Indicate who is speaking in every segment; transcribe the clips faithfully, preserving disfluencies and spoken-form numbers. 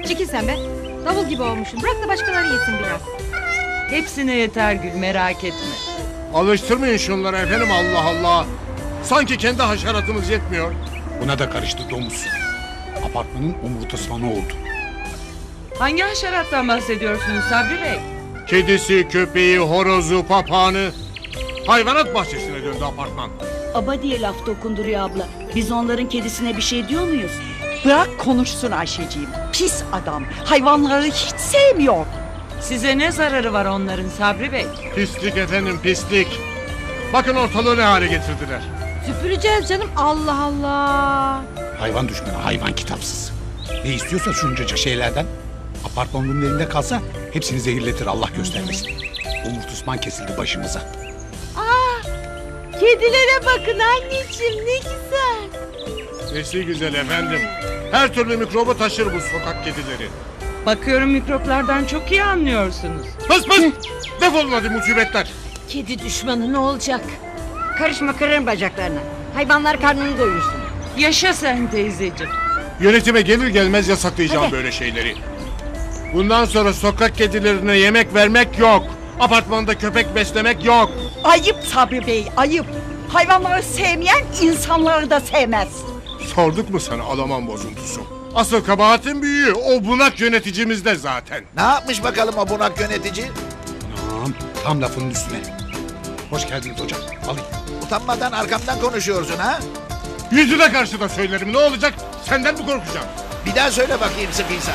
Speaker 1: Çekil sen be. Davul gibi olmuşsun. Bırak da başkaları yesin biraz.
Speaker 2: Hepsine yeter Gül, merak etme.
Speaker 3: Alıştırmayın şunları efendim, Allah Allah. Sanki kendi haşeratımız yetmiyor.
Speaker 4: Buna da karıştı domuz. Apartmanın omurtasmanı oldu.
Speaker 2: Hangi haşerattan bahsediyorsunuz Sabri Bey?
Speaker 3: Kedisi, köpeği, horozu, papağanı. Hayvanat bahçesine döndü apartman.
Speaker 5: Aba diye laf dokunduruyor abla. Biz onların kedisine bir şey diyor muyuz?
Speaker 6: Bırak konuşsun Ayşeciğim. Pis adam. Hayvanları hiç sevmiyor.
Speaker 2: Size ne zararı var onların Sabri Bey?
Speaker 3: Pislik efendim, pislik. Bakın ortalığı ne hale getirdiler.
Speaker 1: Süpüreceğiz canım. Allah Allah.
Speaker 4: Hayvan düşmanı, hayvan kitapsız. Ne istiyorsa şuncacık şeylerden. Apartmanın elinde kalsa hepsini zehirletir, Allah göstermesin. Omurtusman kesildi başımıza.
Speaker 1: Kedilere bakın anneciğim, ne güzel.
Speaker 3: Nesi güzel efendim. Her türlü mikrobu taşır bu sokak kedileri.
Speaker 2: Bakıyorum mikroplardan çok iyi anlıyorsunuz.
Speaker 3: Pıs pıs! Defolun hadi musibetler.
Speaker 1: Kedi düşmanı ne olacak? Karışma, kırarım bacaklarını. Hayvanlar karnını doyursun.
Speaker 2: Yaşa sen teyzeciğim.
Speaker 3: Yönetime gelir gelmez yasaklayacağım
Speaker 1: Hadi.
Speaker 3: böyle şeyleri. Bundan sonra sokak kedilerine yemek vermek yok. Apartmanda köpek beslemek yok.
Speaker 6: Ayıp Sabri Bey, ayıp. Hayvanları sevmeyen insanları da sevmez.
Speaker 3: Sorduk mu sana Alaman bozuntusu? Asıl kabahatin büyüğü o bunak yöneticimizde zaten.
Speaker 7: Ne yapmış bakalım o bunak yönetici?
Speaker 4: Anam, tam lafının üstüne. Hoş geldiniz hocam, alayım.
Speaker 7: Utanmadan arkamdan konuşuyorsun ha?
Speaker 3: Yüzüne karşı da söylerim, ne olacak? Senden mi korkacağım?
Speaker 7: Bir daha söyle bakayım sıkıysa.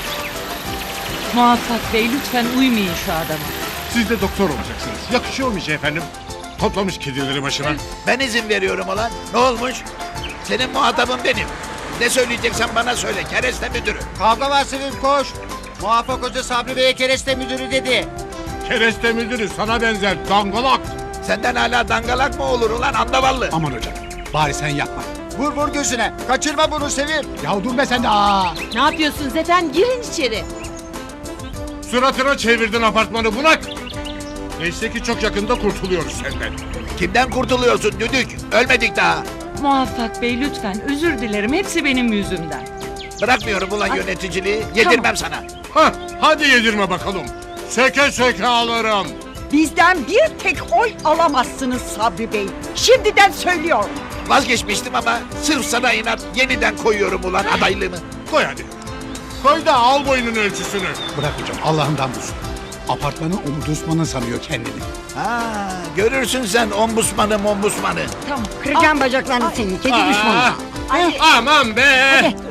Speaker 2: Muvaffak Bey lütfen uymayın şu adama.
Speaker 3: Siz de doktor olacaksınız. Yakışıyor mu hiç efendim? Toplamış kedileri başına.
Speaker 7: Ben izin veriyorum ulan. Ne olmuş? Senin muhatabın benim. Ne söyleyeceksen bana söyle. Kereste müdürü.
Speaker 8: Kavga var Sevim koş. Muvaffak Hoca Sabri Bey'e kereste müdürü dedi.
Speaker 3: Kereste müdürü sana benzer dangalak.
Speaker 7: Senden hala dangalak mı olur ulan andavallı?
Speaker 4: Aman hocam, bari sen yapma.
Speaker 8: Vur vur gözüne. Kaçırma bunu Sevim.
Speaker 4: Ya dur be sen de, aa!
Speaker 1: Ne yapıyorsunuz efendim? Girin içeri.
Speaker 3: Suratına çevirdin apartmanı bunak. Neyse ki çok yakında kurtuluyoruz senden.
Speaker 7: Kimden kurtuluyorsun düdük? Ölmedik daha.
Speaker 2: Muvaffak Bey lütfen özür dilerim, hepsi benim yüzümden.
Speaker 7: Bırakmıyorum ulan yöneticiliği. Yedirmem sana.
Speaker 3: Hah, hadi yedirme bakalım. Söke söke alırım.
Speaker 6: Bizden bir tek oy alamazsınız Sabri Bey. Şimdiden söylüyorum.
Speaker 7: Vazgeçmiştim ama sırf sana inat yeniden koyuyorum ulan adaylığımı.
Speaker 3: Koy hadi. Koy da al boynun ölçüsünü.
Speaker 4: Bırak hocam, Allah'ından bulsun. Apartmanın omurtusmanı sanıyor kendini.
Speaker 7: Ha, görürsün sen ombusmanı mombusmanı.
Speaker 2: Tamam.
Speaker 1: Kıracağım bacaklarını senin, kedi düşmanı.
Speaker 3: Aa, aman be.
Speaker 1: Hadi.